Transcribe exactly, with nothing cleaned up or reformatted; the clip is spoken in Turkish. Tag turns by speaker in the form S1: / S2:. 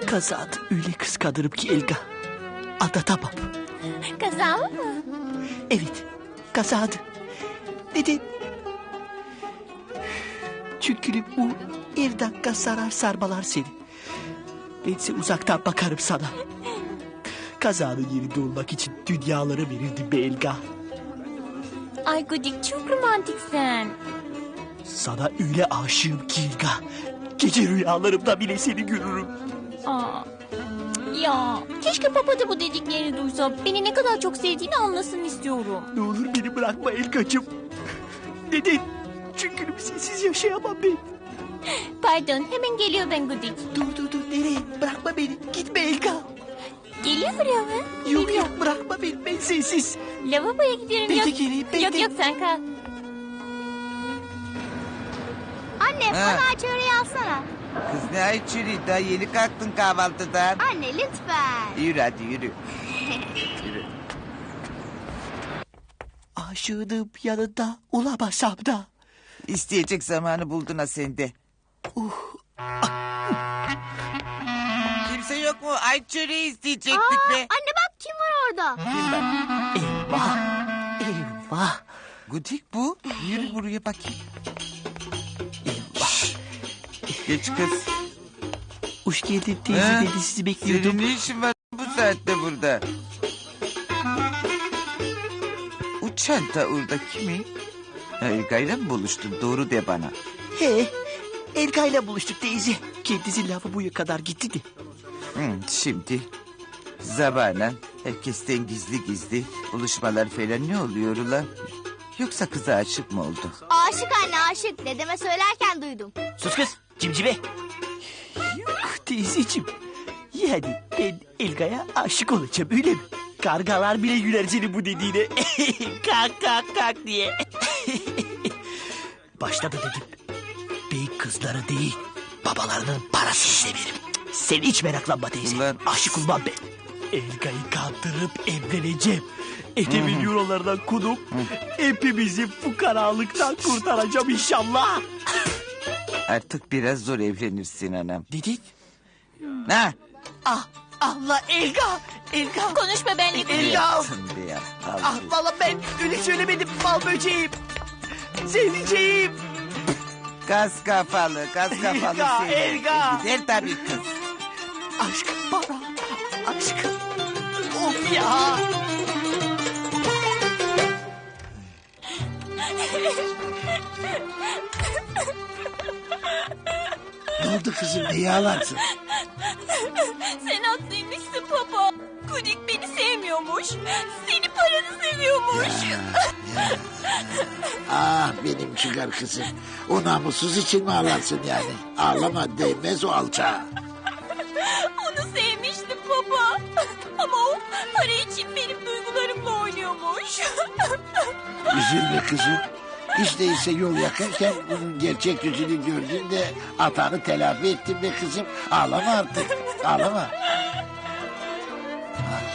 S1: Kazada öyle kıskanırım ki Elga. Anlatamam.
S2: Kaza mı?
S1: Evet, kazada. Neden? Çünkü bu her dakika sarar sarmalar seni. Bense uzaktan bakarım sana. Kazanın yerinde olmak için dünyaları verirdim be Elga.
S2: Ay Gudik çok romantiksin.
S1: Sana öyle aşığım ki Elga. Gece rüyalarımda bile seni görürüm.
S2: Aa, ya keşke Papa da bu dediklerini duysa. Beni ne kadar çok sevdiğini anlasın istiyorum.
S1: Ne olur beni bırakma Elgacığım. Neden? Çünkü sensiz yaşayamam ben.
S2: Pardon hemen geliyor ben Gudik.
S1: Dur dur dur nereye? Bırakma beni. Gitme Elga.
S2: Geliyor buraya mı?
S1: Yok
S2: Geliyor.
S1: yok bırakma beni. Ben sensiz.
S2: Lavaboya gidiyorum.
S1: Ben
S2: yok.
S1: de geleyim, ben
S2: yok
S1: de.
S2: yok sen kal.
S3: Anne
S4: Ha.
S3: bana çöreği alsana.
S4: Kız ne ay çürü, daha yeni kalktın kahvaltıdan.
S3: Anne lütfen.
S4: Yürü hadi yürü. Yürü.
S1: Aşığım yanında olamasam da.
S4: İsteyecek zamanı buldun ha sende. Kimse yok mu? Ay çöreği isteyecektik
S3: Aa,
S4: be.
S3: anne bak kim var orada?
S4: Kim bak?
S1: Eyvah. Eyvah.
S4: Gudik bu. Yürü buraya bakayım.
S1: Eyvah.
S4: Geç kız.
S1: Hoş geldin teyze
S4: Ha?
S1: dedi sizi bekliyordum.
S4: Senin ne işin var bu saatte burada? O çanta orada kimin? Elga'yla mı buluştun? Doğru de bana.
S1: He. Elga'yla buluştuk teyze. Kendisi lavaboya kadar gitti de.
S4: Hı, şimdi zamanla herkesten gizli gizli buluşmalar falan ne oluyor ulan? Yoksa kıza aşık mı oldu?
S3: Aşık anne aşık. Dedeme söylerken duydum.
S1: Sus kız cimcibe. Yok teyzeciğim. Yani ben Elga'ya aşık olacağım öyle mi? Kargalar bile güler senin bu dediğine. Kalk kalk kalk diye. Başta da dedim. Ben kızları değil babalarının parasını severim. Sen hiç meraklanma teyze.
S4: Ulan.
S1: Aşık olmam ben. Elga'yı kandırıp evleneceğim. Etemin eurolardan kudup hepimizi fukaralıktan kurtaracağım inşallah.
S4: Artık biraz zor evlenirsin anam.
S1: Dedik.
S4: Ha?
S1: Ah Allah Elga. Elga.
S2: Konuşma benimle Gudik.
S1: Elga.
S4: Tın be ya. Al
S1: Ah
S4: şu-
S1: valla ben öyle söylemedim bal böceğim. Sevdiceğim.
S4: Gaz kafalı, gaz kafalı
S1: Elga,
S4: seni.
S1: Elga.
S4: Gider tabii kız.
S1: Aşk bana. Aşk. Of ya.
S5: Ne oldu kızım niye ağlarsın?
S2: Sen haklıymışsın Papa. Gudik beni sevmiyormuş. Seni paranı seviyormuş.
S5: Ah benim çıkar kızım. O namussuz için mi ağlarsın yani? Ağlama değmez o alçağa.
S2: Onu sevmiştim Papa. Ama o para için benim duygularımla oynuyormuş.
S5: Üzülme kızım. Hiç değilse yol yakınken bunun gerçek yüzünü gördün de hatanı telafi ettin be kızım. Ağlama artık. Ağlama. Ah,